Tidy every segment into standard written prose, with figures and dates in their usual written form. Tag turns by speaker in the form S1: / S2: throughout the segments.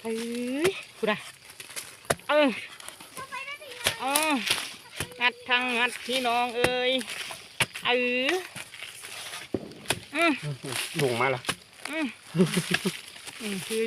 S1: อ้ยกูได้งัดทางงัดพี่น้องเอ้ย
S2: ลงมาละ
S1: คือ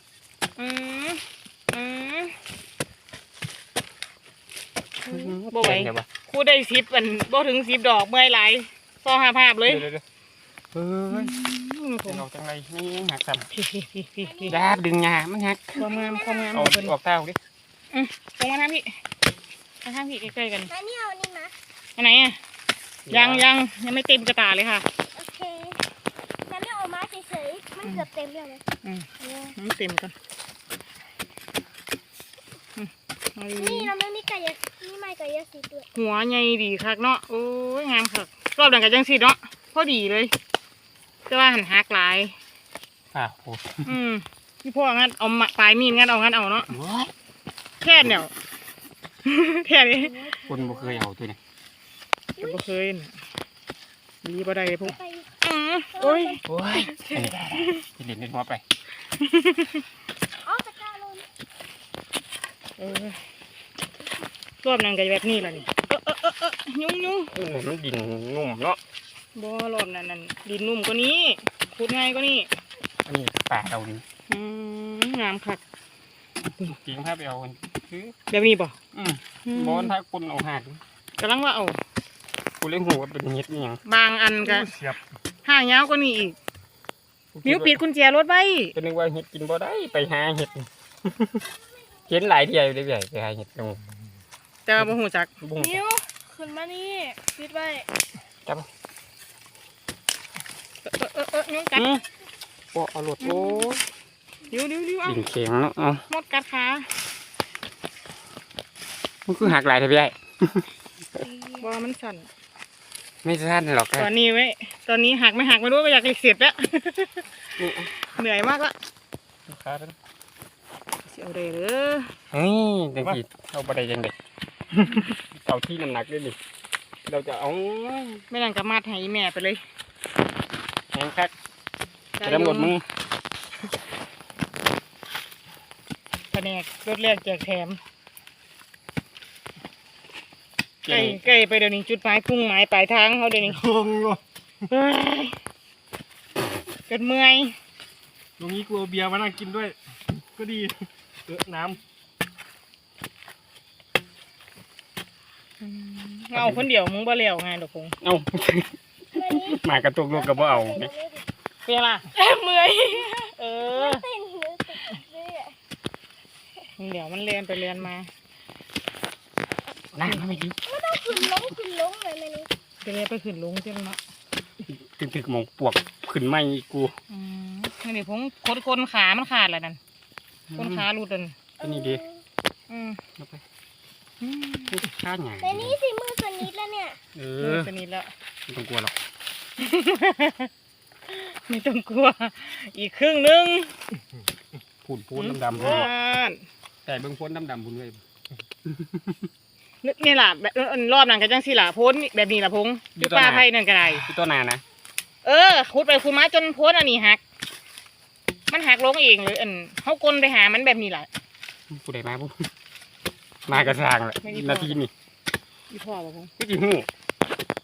S1: บ่ไหวคู่ได้10 อันบ่ถึง10 ดอกเมื่อยหลายซอหาภาพเลย
S2: เฮ้ยเป็นออกจังไรนี่หักสั่น
S1: พี่
S2: ดาบดึงหญ้ามันหัก
S1: ความงาม
S2: เอาออกเต้าดิ
S1: ตรงมาทางพี่ใกล้ๆกัน
S3: อันนี้เอานี่มา
S1: อันไหนอ่ะยังไม่เต็มกระตาเลยค่ะ
S3: โอเคฉันไม่เอามาเฉยๆมันเกือบเต็มแล้วเลย
S1: มันเต็มกัน
S3: นี่เราไม่มีไก่นี่ไม่ไก่ยาสีด้วย
S1: หัวใหญ่ดีคักเนาะโอ้ยงามคักรอบหลังกับจังสีเนาะพอดีเลยจะว่าหันหักหลาย
S2: โอ้
S1: พี่พ่องั้นเอาปลายมีดงั้นเอาเนาะแค่เนี่ยแค่นี้
S2: คนบ่เคยเอาตัวนี้
S1: บ่เคยดีบ่ได้พวกโอ้ย
S2: เล่นหัวไป
S3: ตะกร้าลง
S1: รอบนั้นก็แบบนี้แหละนี่ยุ่ง
S2: มันดินนุ่มเนาะ
S1: บ่รอบนั้นดินนุ่มกว่านี้ขุดง่ายกว่านี้
S2: อันนี้ป่าเรานี่
S1: งามคัก
S2: จริงครับเอาคือ
S1: แบบนี้ป่ะ
S2: บอลถ้าคนเอาหัก
S1: กำลังว่าเอา
S2: กูเล่นหัวเป็นเห็ดนี่ยัง
S1: บางอันก็ห่างยาวกว่านี้อีกนิ้วปิดกุญแจรถไว้
S2: ก็นึกว่าเห็ดกินบ่ได้ไปหาเห็ดเห็นหลายที่เลยใหญ่ไปหาเห็ดตรง
S1: แต่บ่หูจัก
S3: นิ้วขึ้นมานี่ปิดไว้
S2: จับ
S1: นิ้วกัด
S2: โอ้เอาหลุดโอ้
S1: นิ้วเอา
S2: ดิ่งเข็งเนาะเอา
S1: หมดกัดขา
S2: มันคือหักหลายทีใหญ่
S1: บ่มันสั่น
S2: ไม่สั้นหรอก
S1: ตอนนี้หักไม่หักไม่รู้ก็อยากเสร็จแล้วเหนื่อยมากละเสียวเลย
S2: เฮ้ยจังสิเอาไปได้ยังไงเอาที่น้ำหนักด้วยดิเราจะเอา
S1: ไม่นั่งกับมาดให้แม่ไปเลย
S2: แข็งคักจะดำหมดมือ
S1: แผนกรถแรกแจกแถมไก่ไปเดี๋ยวนี้จุดหมายพุ่งหมายปลายทางเขาเดี๋ยวนี้เกิดเมื่อย
S2: ตรงนี้กูเอาเบียร์มานั่งกินด้วยก็ดีน้ำ
S1: เอาคนเดียวมึงบ่เลี้ยวไงดอกคง
S2: เอาหมากระตุกลูกกับบ่เอา
S1: เป็นล่ะเมื่อยเดี๋ยวมันเรียนไปเรียนมา
S2: นั่งไม่ดี
S3: ไม่ต้องขึ้นลงเลยนี่
S1: จะเรียนไปขึ้นลงใช่ไหมเนาะ
S2: ตึกมองปวกขึ้นไม่กู
S1: นี่ผมคนขามันขาดแล้วนั่นคนขาหลุดนั่น
S2: ก็นี่ดีไปข้าหยัง
S3: แต่นี่สิมือสนิทแล้วเนี่ย
S1: สนิทแล้ว
S2: ไม่ต้องกลัวหรอก
S1: ไม่ต้องกลัวอีกครึ่งนึง
S2: พูนดำแต่เบื้องพ้นดำพูนเลย
S1: นี่แหละรอบนั้นก็จังสิล่ะพ้นแบบนี้ล่ะพงอยู่ป่าไผ่นั่นก็ได้
S2: ที่ต้นนานะ
S1: ขุดไปขุดมาจนพ้นอันนี้หักมันหักลงเองเลยเขากลไปหามันแบบนี้แหละ
S2: ผู้ใดมาปุ๊บมากระซางแหละนาทีนี่
S1: อีพ่อป่ะพง
S2: พี่จีหู